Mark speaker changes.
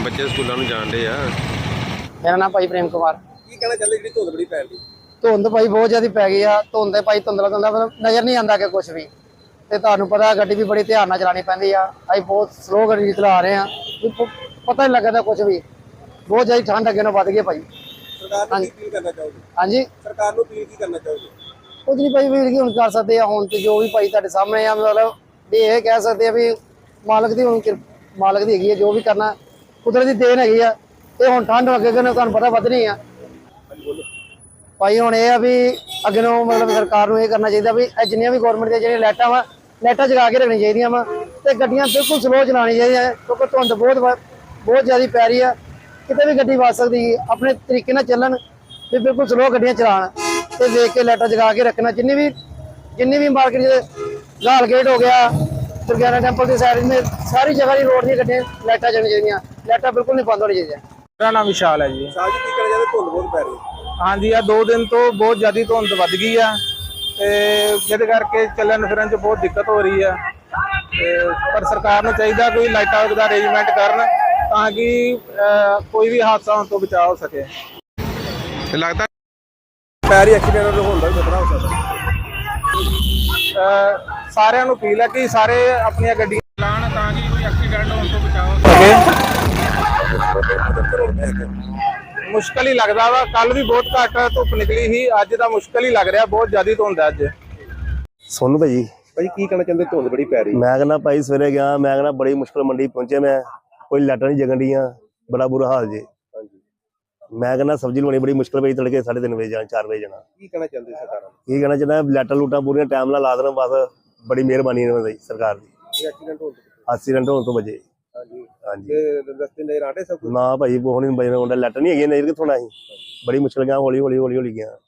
Speaker 1: ਬੱਚੇ ਸਕੂਲਾਂ ਨੂੰ ਜਾਣ ਡੇ ਆ।
Speaker 2: ਮੇਰਾ ਨਾਮ ਭਾਈ ਪ੍ਰੇਮ ਕੁਮਾਰ।
Speaker 3: ਕੀ ਕਹਿਣਾ ਚਾਹੁੰਦੇ ਜਿਹੜੀ ਧੁੰਦ ਬੜੀ ਪੈ ਰਹੀ?
Speaker 2: ਧੁੰਦ ਭਾਈ ਬਹੁਤ ਜ਼ਿਆਦਾ ਪੈ ਗਈ ਆ। ਧੁੰਦ ਭਾਈ ਧੁੰਦਲਾ ਮਤਲਬ ਨਜ਼ਰ ਨਹੀਂ ਆਉਂਦਾ ਕਿ ਕੁਝ ਵੀ। ਤੇ ਤੁਹਾਨੂੰ ਪਤਾ ਗੱਡੀ ਵੀ ਬੜੀ ਧਿਆਨ ਨਾਲ ਚਲਾਉਣੀ ਪੈਂਦੀ ਆ। ਅਸੀਂ ਬਹੁਤ ਸਲੋ ਗੱਡੀ ਚਲਾ ਰਹੇ ਆ, ਪਤਾ ਨਹੀਂ ਲੱਗਦਾ ਕੁਝ ਵੀ। ਬਹੁਤ ਜ਼ਿਆਦਾ ਠੰਡ ਅੱਗੇ ਨਾਲੋਂ ਵੱਧ ਗਈ ਭਾਈ।
Speaker 3: ਸਰਕਾਰ ਨੂੰ ਕੀ ਕਰਨਾ ਚਾਹੋਗੇ?
Speaker 2: ਹਾਂਜੀ,
Speaker 3: ਸਰਕਾਰ ਨੂੰ ਕੀ ਕਰਨਾ ਚਾਹੋਗੇ?
Speaker 2: ਕੁਝ ਨਹੀਂ ਭਾਈ, ਵੀਰ ਕੀ ਹੁਣ ਕਰ ਸਕਦੇ ਆ। ਹੁਣ ਤੇ ਜੋ ਵੀ ਭਾਈ ਤੁਹਾਡੇ ਸਾਹਮਣੇ ਆ, ਮਤਲਬ ਵੀ ਇਹ ਕਹਿ ਸਕਦੇ ਆ ਵੀ ਮਾਲਕ ਦੀ ਹੁਣ ਮਾਲਕ ਦੀ ਹੈਗੀ ਆ। ਜੋ ਵੀ ਕਰਨਾ ਕੁਦਰਤ ਦੀ ਦੇਣ ਹੈਗੀ ਆ। ਇਹ ਹੁਣ ਠੰਡ ਅੱਗੇ ਤੁਹਾਨੂੰ ਪਤਾ ਵਧਣੀ ਆ ਭਾਈ। ਹੁਣ ਇਹ ਆ ਵੀ ਅੱਗੇ ਨੂੰ ਮਤਲਬ ਸਰਕਾਰ ਨੂੰ ਇਹ ਕਰਨਾ ਚਾਹੀਦਾ ਵੀ ਜਿੰਨੀਆਂ ਵੀ ਗਵਰਨਮੈਂਟ ਦੀਆਂ ਜਿਹੜੀਆਂ ਲਾਈਟਾਂ ਵਾ, ਲਾਈਟਾਂ ਜਗਾ ਕੇ ਰੱਖਣੀਆਂ ਚਾਹੀਦੀਆਂ ਵਾ। ਤੇ ਗੱਡੀਆਂ ਬਿਲਕੁਲ ਸਲੋ ਚਲਾਉਣੀਆਂ ਚਾਹੀਦੀਆਂ, ਕਿਉਂਕਿ ਧੁੰਦ ਬਹੁਤ ਜ਼ਿਆਦਾ ਪੈ ਰਹੀ ਆ। ਕਿਤੇ ਵੀ ਗੱਡੀ ਵੱਜ ਸਕਦੀ। ਆਪਣੇ ਤਰੀਕੇ ਨਾਲ ਚੱਲਣ ਤੇ ਬਿਲਕੁਲ ਸਲੋ ਗੱਡੀਆਂ ਚਲਾਉਣ ਤੇ ਵੇਖ ਕੇ ਲਾਈਟਾਂ ਜਗਾ ਕੇ ਰੱਖਣਾ। ਜਿੰਨੀ ਵੀ ਮਾਰਕੀਟ ਲਾਲ ਗੇਟ ਹੋ ਗਿਆ, ਦੁਰਗਿਆਨਾ ਟੈਂਪਲ ਦੀ ਸਾਈਡ में ਸਾਰੀ ਜਗ੍ਹਾ ਦੀ ਰੋਡ ਦੀਆਂ ਗੱਡੀਆਂ ਲਾਈਟਾਂ ਚੱਲਣੀਆਂ ਚਾਹੀਦੀਆਂ। ਲਾਈਟਾਂ ਬਿਲਕੁਲ ਨਹੀਂ ਬੰਦ ਹੋਣੀ ਚਾਹੀਦੀਆਂ।
Speaker 4: ਮੇਰਾ ਨਾਮ ਵਿਸ਼ਾਲ ਹੈ ਜੀ।
Speaker 3: ਸਾਜ ਕੀ ਕਹਿਣਾ ਚਾਹੁੰਦੇ? ਧੁੰਦ ਬਹੁਤ ਪੈ ਰਹੀ।
Speaker 4: ਹਾਂਜੀ, ਆ 2 ਦਿਨ ਤੋਂ ਬਹੁਤ ਜ਼ਿਆਦਾ ਧੁੰਦ ਵੱਧ ਗਈ ਆ ਤੇ ਜਿਹਦੇ ਕਰਕੇ ਚੱਲਣ ਫਿਰਨ 'ਚ ਬਹੁਤ ਦਿੱਕਤ ਹੋ ਰਹੀ ਆ। ਤੇ ਪਰ ਸਰਕਾਰ ਨੂੰ ਚਾਹੀਦਾ ਕੋਈ ਲਾਈਟਾਂ ਦਾ ਅਰੇਂਜਮੈਂਟ ਕਰਨ ਤਾਂ ਕਿ ਕੋਈ ਵੀ ਹਾਦਸਾ ਹੋਣ ਤੋਂ ਬਚਾਅ ਹੋ ਸਕੇ।
Speaker 1: ਤੇ ਲੱਗਦਾ
Speaker 3: ਪੈ ਰਹੀ ਐਕਸੀਡੈਂਟ ਹੋਣ ਦਾ ਵੀ ਖਤਰਾ ਹੋ ਸਕਦਾ।
Speaker 4: ਸਾਰਿਆਂ ਨੂੰ ਅਪੀਲ ਹੈ ਕਿ ਸਾਰੇ ਆਪਣੀਆਂ ਗੱਡੀਆਂ ਚਲਾਉਣ ਤਾਂ ਕਿ ਕੋਈ ਐਕਸੀਡੈਂਟ ਹੋਣ ਤੋਂ ਬਚਾਅ ਹੋ ਸਕੇ। ਮੁਸ਼ਕਲ ਹੀ ਲੱਗਦਾ ਵਾ। ਕੱਲ ਵੀ ਬਹੁਤ ਘੱਟ ਧੁੱਪ ਨਿਕਲੀ ਸੀ, ਅੱਜ ਤਾਂ ਮੁਸ਼ਕਲ ਹੀ ਲੱਗ ਰਿਹਾ। ਬਹੁਤ ਜ਼ਿਆਦਾ ਧੁੰਦ ਹੈ ਅੱਜ।
Speaker 5: ਸੋਨੂੰ ਭਾਜੀ,
Speaker 3: ਭਾਈ ਕੀ ਕਹਿਣਾ ਚਾਹੁੰਦੇ? ਧੁੰਦ ਬੜੀ ਪੈ ਰਹੀ।
Speaker 5: ਮੈਂ ਕਹਿੰਦਾ ਭਾਈ ਸਵੇਰੇ ਗਿਆ, ਮੈਂ ਕਹਿੰਦਾ ਬੜੀ ਮੁਸ਼ਕਲ ਮੰਡੀ ਪਹੁੰਚੇ। ਮੈਂ ਕੋਈ ਲਾਈਟਾਂ ਨਹੀਂ ਜਗਣ ਡੀਆਂ, ਬੜਾ ਬੁਰਾ ਹਾਲ ਜੇ। ਮੈਂ ਕਹਿੰਦਾ ਸਬਜ਼ੀ ਲਾਉਣੀ ਬੜੀ ਮੁਸ਼ਕਲ ਪਈ। ਤੜਕੇ 3:30 ਵਜੇ ਜਾਣਾ, 4 ਵਜੇ ਜਾਣਾ।
Speaker 3: ਕੀ ਕਹਿਣਾ ਚਾਹੁੰਦੇ ਸਰਕਾਰ ਨੂੰ?
Speaker 5: ਕੀ ਕਹਿਣਾ ਚਾਹੁੰਦਾ, ਲਾਈਟਾਂ ਲੂਟਾਂ ਪੂਰੀਆਂ ਟਾਈਮ ਨਾਲ ਲਾ ਦੇਣ ਬਸ। ਬੜੀ ਮਿਹਰਬਾਨੀ ਇਹਨਾਂ ਦੀ ਸਰਕਾਰ ਦੀ। ਐਕਸੀਡੈਂਟ ਹੋਣ ਤੋਂ ਬਚੇ। ਹਾਂਜੀ,
Speaker 3: ਰਸਤੇ ਨਜ਼ਰ ਆਟੇ ਸਭ ਕੁਝ
Speaker 5: ਨਾ ਭਾਈ ਉਹ ਨਹੀਂ ਬਜਣਾ ਹੁੰਦਾ। ਲਾਈਟਾਂ ਨਹੀਂ ਹੈਗੀਆਂ, ਨਜ਼ਰ ਕਿੱਥੋਂ ਆਈ। ਬੜੀ ਮੁਸ਼ਕਲ ਗਿਆ, ਹੌਲੀ ਗਿਆ।